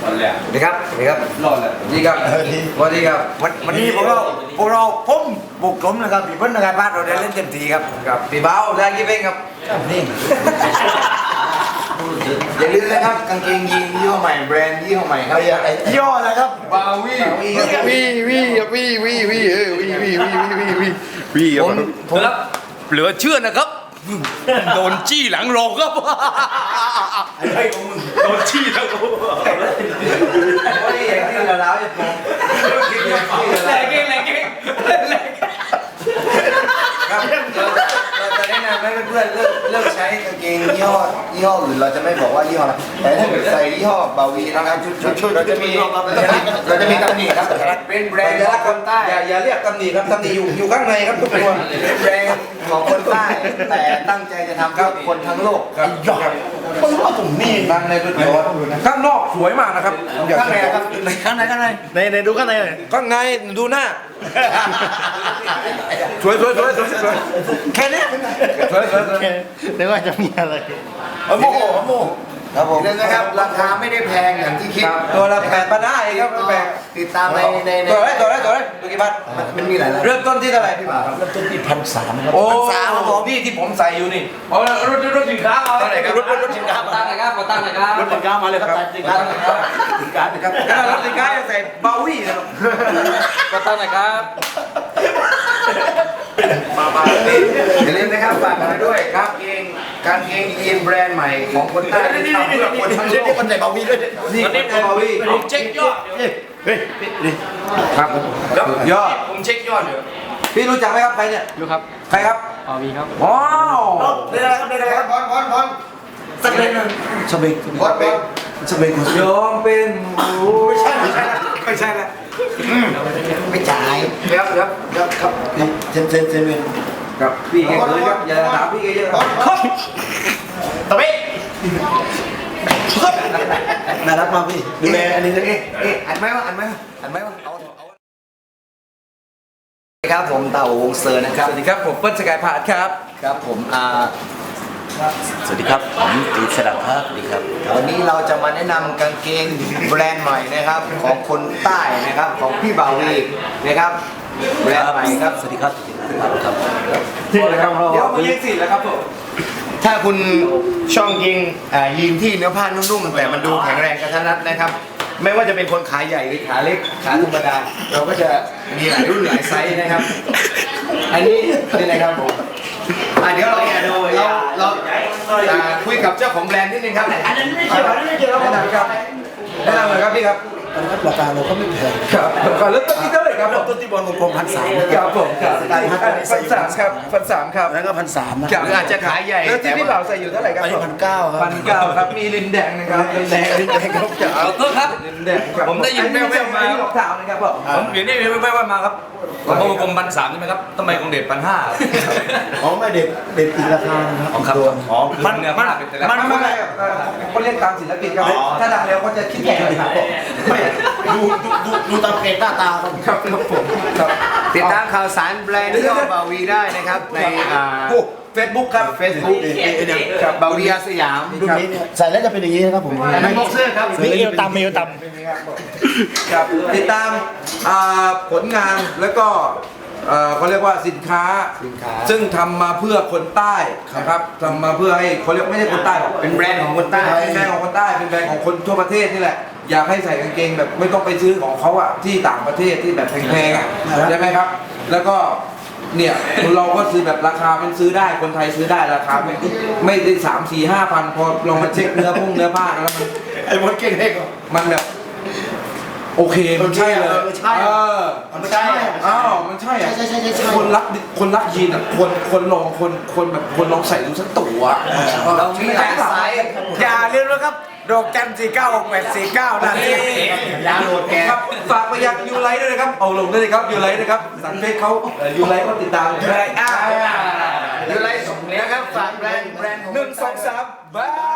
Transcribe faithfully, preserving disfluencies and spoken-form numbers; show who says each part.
Speaker 1: สวัสดีครับสวัสดีครับรอดเลยสวัสดีครับสวัสดีครับวันวันนี้พวกเราพวกเราผมบุกกลมนะครับพี่เพิ่นนะครับบ้านเราได้เล่นเต็มที่ครับกับพี่เบ้าได้กี่เพลงครับนี่อย่าลืมนะครับกางเกงยีนยี่ห้อใหม่แบรนด์ยี่ห้อใหม่ครับยี่ห้ออะไรครับบาวี่วีวีวีวีวีเออวีวีวีวีวีวีผมผมรับเหลือเชื่อนะครับโดนจี้หลังโรงครับไอ้ของมึงโดนจี้หลังโรงโอ้ยอย่างที่เราเล่าให้ฟังแรงเก่งแรงเก่งครับเราจะแนะนำให้เพื่อนๆเลิกเลิกใช้กางเกงยี่ห้อยี่ห้ออื่นเราจะไม่บอกว่ายี่ห้ออะไรแต่ถ้าเกิดใส่ยี่ห้อบาวีนะครับเราจะมีเราจะมีตำหนิครับเป็นแบรนด์ของคนใต้อย่าอย่าเรียกตำหนิครับตำหนิอยู่อยู่ข้างในครับทุกคนเป็นแบรนด์ของคนใต้แต่ตั้งใจจะทำเพื่อคนทั้งโลกครับคนว่าผมนี่นั่งในรถยนต์ข้างนอกสวยมากนะครับข้างในครับข้างในข้างในในในดูข้างในข้างในดูหน้าสวยสวยสวยสวยสวยแค่นี้สวยสวยสวยนึกว่าจะมีอะไรโมโหโมครับผมนะครับราคาไม่ได้แพงอย่างที่คิดตัวละแปดพันห้าเองครับแปดติดตามในในตัวไรตัวไรตัวไรตัวกี่บาทมันมีหลายเริ่มต้นที่เท่าไหร่พี่บ่าวเริ่มต้นที่พันสามครับโอ้พันสามของพี่ที่ผมใส่อยู่นี่อ๋อรถรถสินค้าเอาอะไรครับรถรถสินค้าตั้งไหนครับมาตั้งไหนครับรถสินค้ามาเลยครับสินค้าสินค้าครับขนาดรถสินค้ายังใส่เบาวี่นะครับมาตั้งไหนครับมามาอย่าลืมนะครับฝากกันด้วยครับเกงการเกงยีนแบรนด์ใหม่ของคนใต้ที่ทำเพื่อคนทั้งโลกคนใส่เบาวี่ด้วยนี่เบาวี่ผมเช็คยอดเฮ้ยครับยอดผมเช็คยอดอยู่พี่รู้จักไหมครับใครเนี่ยรู้ครับใครครับเบาวี่ครับว้าวได้อะไรครับได้อะไรครับบอลบอลบอลสักเล่นหนึ่งสเปกบอลบอลสเปกยอมเป็นไม่ใช่ไม่ใช่ไม่ใช่ละไม่จ่ายครับครับครับครับเซนเซนเซนครับพี่แกเลยครับอย่าถามพี่แกเยอะครับตะเบ๊ะน่ารักมากพี่ดูแลอันนี้เลยเอ๊ะอันไหมวะอันไหมวะอันไหมวะเอาเอาครับผมเต่าวงเซอร์นะครับสวัสดีครับผมเปิ้ลสกายพาร์ทครับครับผมอ่า
Speaker 2: สวัสดีครับผมตีสลับภาพดีครับ
Speaker 1: วันนี้เราจะมาแนะนำกางเกงแบรนด์ใหม่นะครับของคนใต้นะครับของพี่บาวีนะครับแบรนด์ใหม่ครับ
Speaker 2: สวัสดีครับครับ
Speaker 1: เดี๋ยวมายิงสิแล้วครับผมถ้าคุณช่องยิงยิงที่เนื้อผ้านุ่มๆแต่มันดูแข็งแรงกระทัดรัดนะครับไม่ว่าจะเป็นคนขาใหญ่หรือขาเล็กขาธรรมดาเราก็จะมีหลายรุ่นหลายไซส์นะครับอันนี้นี่นะครับผมเดี๋ยวเราเราเราคุยกับเจ้าของแบรนด์นิดนึงครับอันนั้นไม่เกี่ยวอันนั้นไม่เกี่ยวแนะนำครับแนะนำเลยครับพี่ครับราคาเราก็ไม่แพงครับก่อนเริ่มต้นที่เท่าไหร่ครับเริ่มต้นที่บอลกลมพันสามครับผมครับพันสามครับพันสามครับแล้วก็พันสามนะอาจจะขายใหญ่แล้วที่พี่บ่าวใส่อยู่เท่าไหร่ครับพันเก้าครับพันเก้าครับมีลินแดงนะครับลินแดงลินแดงครับขอโทษครับลินแดง
Speaker 2: ผมได้ยินแว่วๆมา
Speaker 1: ที่หลอกถามนะครับผม
Speaker 2: ผมอยู่นี่แว่วๆมาครับผมบอกกลมพันสามใช่ไหมครับทำไมของเด็ดพันห้า
Speaker 1: อ๋อไม่เด็ดเด็ดอีกราคาครับ
Speaker 2: อ๋อครับอ๋อมันเนื้อผ้าเป็นแต่ละ
Speaker 1: มันไม่ไม่เขาเรียกตามศิลปินครับถ้าดังแล้วก็จะคิดแพงครับไม่ดูดูดูตามเพจหน้าตาครับครับผมครับติดตามข่าวสารแบรนด์ย่อบาวีได้นะครับในเฟซบุ๊กครับเฟซบุ๊กกับบาวีอาสยามรุ่นนี้ใส่แล้วจะเป็นอย่างนี้นะครับผมไม่บ็อกเซอร์ครับ
Speaker 3: นี่เอวต่ำเอวต่ำ
Speaker 1: ครับติดตามผลงานแล้วก็เขาเรียกว่าสินค้าซึ่งทำมาเพื่อคนใต้นะครับทำมาเพื่อให้เขาเรียกไม่ใช่คนใต้เป็นแบรนด์ของคนใต้เป็นแบรนด์ของคนใต้เป็นแบรนด์ของคนทั่วประเทศนี่แหละอยากให้ใส่กางเกงแบบไม่ต้องไปซื้อของเขาอะที่ต่างประเทศที่แบบแพงๆอะใช่ไหมครับแล้วก็เนี่ยเราก็ซื้อแบบราคาเป็นซื้อได้คนไทยซื้อได้ราคาไม่ไม่ได้สามสี่ห้าพันพอลองมาเช็คเนื้อพุ่งเนื้อผ้าแล้วมัน
Speaker 3: ไอ้มดเก่งเล็ก
Speaker 1: มันแบบโอเคมันใช่เลยเออ
Speaker 3: มันใช่
Speaker 1: อ้าวมันใช่อ่ะคนรักคนรักยีนอ่ะคนคนลองคนคนแบบคนลองใส่ดูสักตัว
Speaker 3: เรามีหลายไซส์อย่าลืมนะครับดอกจันสี่เก้าหกแปดสี่เก้านะ
Speaker 1: ยาโหลดแกครับฝากไปยังยูไลท์ด้วยนะครับเอาลงด้วยนะครับยูไลท์นะครับสังเกตเขายูไลท์ก็ติดตาม
Speaker 3: ยูไลท์อ่า
Speaker 1: ยูไลท์ส่งเนี้ยครับฝากแบรนด์แบรนด์หนึ่งสองสามบาย